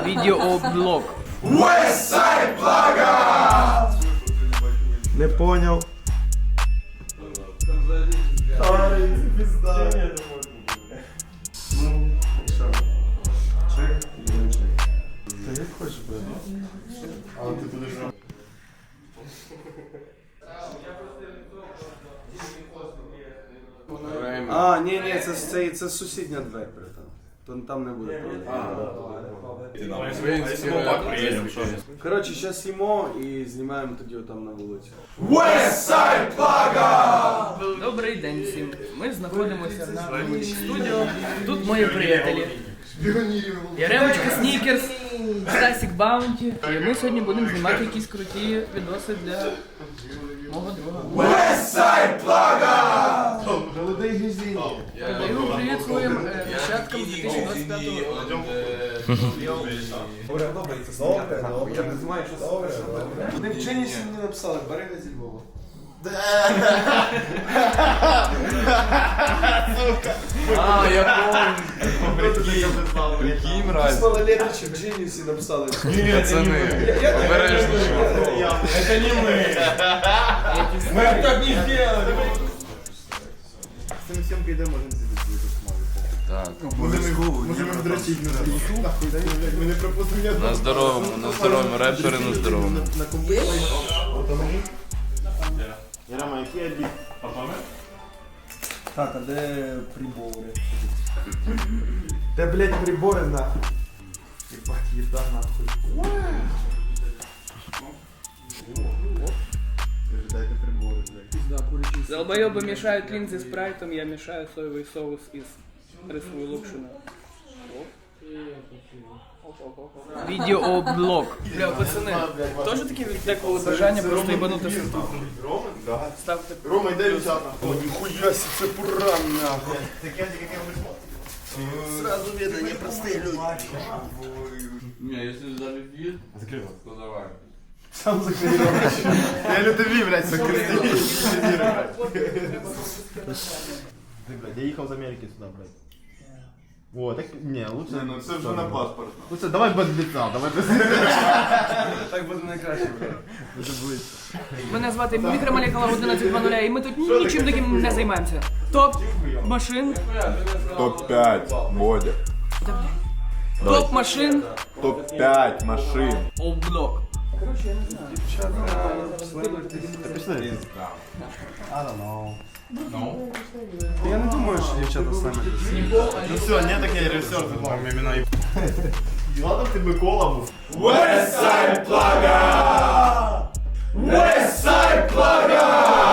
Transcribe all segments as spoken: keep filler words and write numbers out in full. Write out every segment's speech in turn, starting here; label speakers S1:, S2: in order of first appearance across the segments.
S1: Відеоблог.
S2: Westside Plaga!
S3: Не поняв.
S2: Ай, пизда. Ну, що? Чек і не чек. Та як хочеш, блядь. Але ти будеш... А, ні, ні, це, це, це сусідня двері, братан. То там не буде проблем. Коротше, зараз їмо і знімаємо тоді отам на вулиці. Westside Plaga!
S1: Добрий день всім. Ми знаходимося на студіо. Тут мої приятелі. Яремочка Снікерс, Стасік Баунті. І ми сьогодні будемо знімати якісь круті відоси для мого друга.
S2: Westside Plaga!
S3: Голодний гізінь.
S1: Передаю привіт своїм е, нащадкам з дві тисячі двадцять п'ятого року.
S3: Добре, добре, це добре, добре. Я не знаю, що добре. Вони в Дженісі мені написали, бери на зі Львова.
S4: А, я помню. Прикинь, мразь.
S3: Малолеточі в Дженісі написали.
S4: Пацаны, обережно.
S2: Это не мы! Мы так не сделали!
S3: З цим всім підемо, можемо зібити.
S4: Так,
S3: Можемо дрочити на зі. Ми не пропустимо.
S4: на здоровому, на здоровому, репери на здоровому.
S3: На комп'ютері. Ярама, який обід? Так, а де прибори? Де, блядь, прибори нахуй? Ебать, їда нахуй. Дайте прибори, блядь.
S1: Долбойоби мішають лінзи спрайтом, я мішаю соєвий соус із рисовою локшиною. Відеоблог. Бля, пацани, теж таке деколи бажання просто їбанути сорту? Ставте.
S3: Рома, йде взяти нахуй. Ніхуя сі, це пуран нахуй. Сразу видно, непростые люди.
S4: Не, если залетит, то давай.
S3: Сам закрий рот. Я лютові, блядь, закрий. Ты, блядь, я ехал из Америки сюда, блядь. О, так, не, лучше...
S2: Ну це вже на паспорт.
S3: Лучше, давай без лица, давай без
S2: Так буде найкраще, блядь.
S3: Буде близько.
S1: Мене звати Мікромолекула одинадцять два нуль, і ми тут нічим таким не займаємося. Топ машин.
S5: топ пять, Бодя.
S1: Топ машин.
S5: топ пять машин.
S1: Облог.
S3: I don't know. Я не думаю, що дівчата з нами. Ну все, не так я режисер, там імена і... Ладно, ти Микола був.
S2: Westside Plaga! Westside Plaga!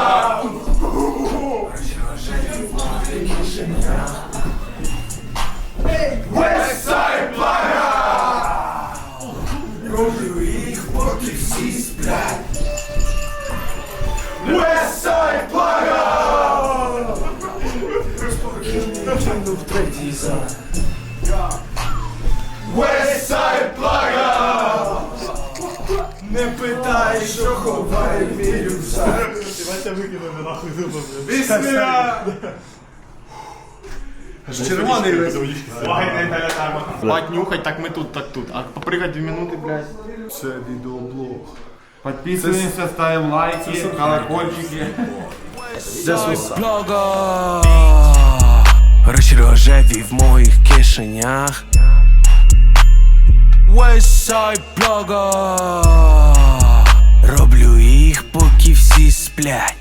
S2: Westside Plaga! Роблю їх, поки всі сплять. Westside Plaga! Спокійно в третій зал. Westside Plaga! Не питай, що ховає мій рюкзак.
S3: Давайте викинемо нахуй зуби.
S2: Пісня! Червоний весь.
S3: Спать, нюхать, так ми тут, так тут. А попрыгать дві минути, блядь.
S2: Це відеоблог.
S3: Підписуємося, ставимо лайки, колокольчики.
S6: Блога гроші рожеві в моїх кишенях. Westside Plaga роблю їх, поки всі сплять.